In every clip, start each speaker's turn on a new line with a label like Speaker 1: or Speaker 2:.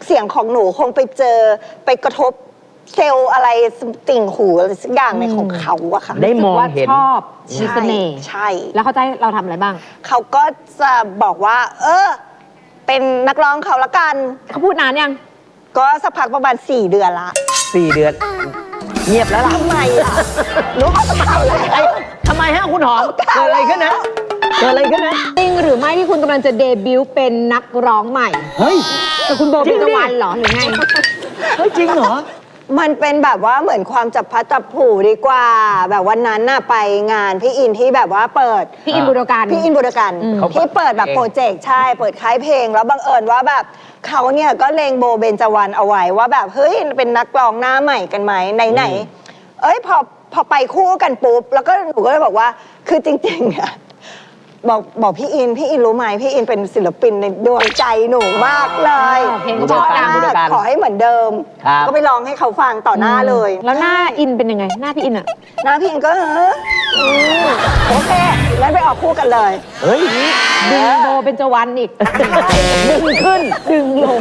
Speaker 1: เสียงของหนูคงไปเจอไปกระทบเซลล์อะไรติ่งหูอะไรสักอย่างในของเขาอะค่ะ
Speaker 2: ได้มองเห็น
Speaker 3: ชอบมีเสน่ห์
Speaker 1: ใช่
Speaker 3: แล้วเขาจะให้เราทำอะไรบ้าง
Speaker 1: เขาก็จะบอกว่า เป็นนักร้องเขาละกัน
Speaker 3: เขาพูดนานยัง
Speaker 1: ก็สักพักประมาณ4 เดือนละ
Speaker 2: 4 เดือนเงียบแล้วล่ะ
Speaker 1: ทำไมล่ะรู้เขาจะทำอะไร
Speaker 2: ทำไมฮะคุณหอมเกิดอะไรขึ้นนะเกิดอะไรขึ้นนะ
Speaker 3: จริงหรือไม่ที่คุณกำลังจะเดบิวต์เป็นนักร้องใหม่
Speaker 2: เฮ้ย
Speaker 3: แต่คุณโบเบญจวรรณเหรอหรือไง
Speaker 2: เฮ้ยจริงเหรอ
Speaker 1: มันเป็นแบบว่าเหมือนความจับพลัดจับผลูดีกว่าแบบวันนั้นน่ะไปงานพี่อินที่แบบว่าเปิด
Speaker 3: พี่อินบุรกัน
Speaker 1: ที่เปิดแบบโปรเจกต์ใช่เปิดค่ายเพลงแล้วบังเอิญว่าแบบเขาเนี่ยก็เลงโบเบญจวรรณเอาไว้ว่าแบบเฮ้ยเป็นนักร้องหน้าใหม่กันไหมไหนพอไปคู่กันปุ๊บแล้วก็หนูก็เลยบอกว่าคือจริงๆอะบอกพี่อินรู้ไหมพี่อินเป็นศิลปินในดวงใจหนูมากเลย
Speaker 3: เพลงก็
Speaker 1: ขอให้เหมือนเดิมก็ไปร้องให้เขาฟังต่อหน้าเลย
Speaker 3: แล้วหน้าอินเป็นยังไงหน้าพี่อินอะ
Speaker 1: หน้าพี่อินก็โอเคงั้นไปออกคู่กันเลย
Speaker 2: เฮ้ย
Speaker 3: ดึงโบเบญจวรรณอีกดึงขึ้นดึงลง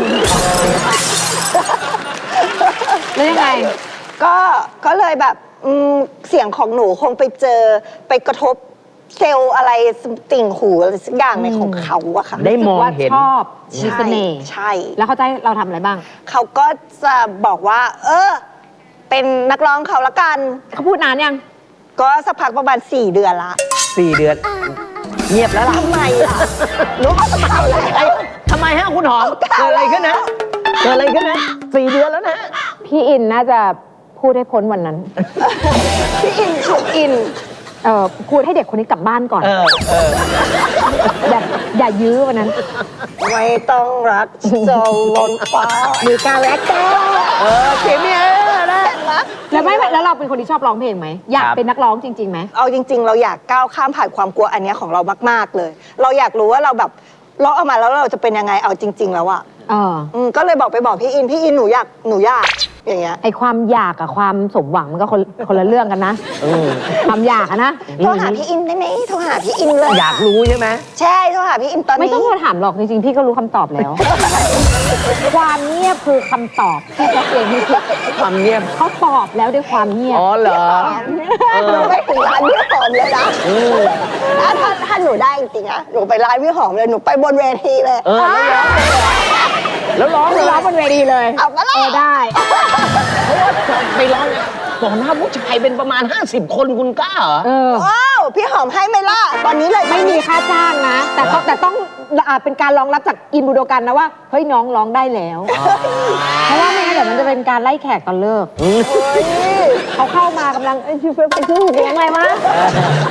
Speaker 3: แล้วยังไง
Speaker 1: ก็เลยแบบเสียงของหนูคงไปเจอไปกระทบเซลล์อะไรติ่งหูอะไรสักอย่างในของเขาอะค่ะ
Speaker 2: ได้มองเห็น
Speaker 3: ชอบมีเสน่ห์
Speaker 1: ใช่
Speaker 3: แล้วเขาจะให้เราทำอะไรบ้าง
Speaker 1: เขาก็จะบอกว่าเป็นนักร้องเขาละกัน
Speaker 3: เขาพูดนานยัง
Speaker 1: ก็สักพักประมาณ4 เดือนละ
Speaker 2: 4 เดือนเงียบแล้วล่ะ
Speaker 1: ทำไมล่ะรู้เขาจะทำอะไร
Speaker 2: ทำไมฮะคุณหอมเกิดอะไรขึ้นนะเกิดอะไรขึ้นนะ4 เดือนแล้วนะ
Speaker 3: พี่อินน่าจะพูดให้พ้นวันนั้น
Speaker 1: พี่อิน
Speaker 3: พูดให้เด็กคนนี้กลับบ้านก่อนอย่ายื้อวันนั้น
Speaker 1: ไม่ต้องรักจนล้นฟ้ามีการแลกแก้
Speaker 2: เสียงเนี่ยนะ
Speaker 3: แล้วเราเป็นคนที่ชอบร้องเพลงไหมอยากเป็นนักร้องจริงๆไหม
Speaker 1: เอาจริงๆเราอยากก้าวข้ามผ่านความกลัวอันนี้ของเรามากๆเลยเราอยากรู้ว่าเราแบบร้องออกมาแล้วเราจะเป็นยังไงเอาจริงๆแล้วอะก็เลยบอกพี่อินหนูอยากอย่างเงี้ย
Speaker 3: ไอความอยากกับความสมหวังมันก็คนละเรื่องกันนะความอยากนะ
Speaker 1: โทรหาพี่อินได้ไหมโทรหาพี่อินเลย
Speaker 2: อยากรู้ใช่ไหม
Speaker 1: ใช่โทรหาพี่อินตอนนี้
Speaker 3: ไม่ต้องโทรถามหรอกจริงๆพี่ก็รู้คำตอบแล้วความเงียบคือคำตอบที่เขาเองที่
Speaker 2: ความเงียบ
Speaker 3: เขาตอบแล้วด้วยความเงียบ
Speaker 2: อ๋อเหรอ
Speaker 1: หนูไม่ถึงร้านพี่หอมเลยนะถ้าหนูได้จริงๆนะหนูไปร้านพี่หอมเลยหนูไปบนเวทีเลย
Speaker 2: แล้วร้อง
Speaker 3: บนเวทีเลย
Speaker 1: เอามาเลย
Speaker 3: ได้
Speaker 2: ไปร้องต่อหน้าผู้ชายเป็นประมาณ50 คนคุณกล้าเหรอ
Speaker 1: ว้าวพี่หอมให้ไหมล่ะตอนนี้เลย
Speaker 3: ไม่มีค่าจ้างนะแต่ต้องเป็นการรองรับจากอินบูโดกันนะว่าเฮ้ยน้องร้องได้แล้วเพราะว่าไม่งั้นเดี๋ยวมันจะเป็นการไล่แขกตอนเลิกเขาเข้ามากำลังไปซื้อเสียงอะไรมา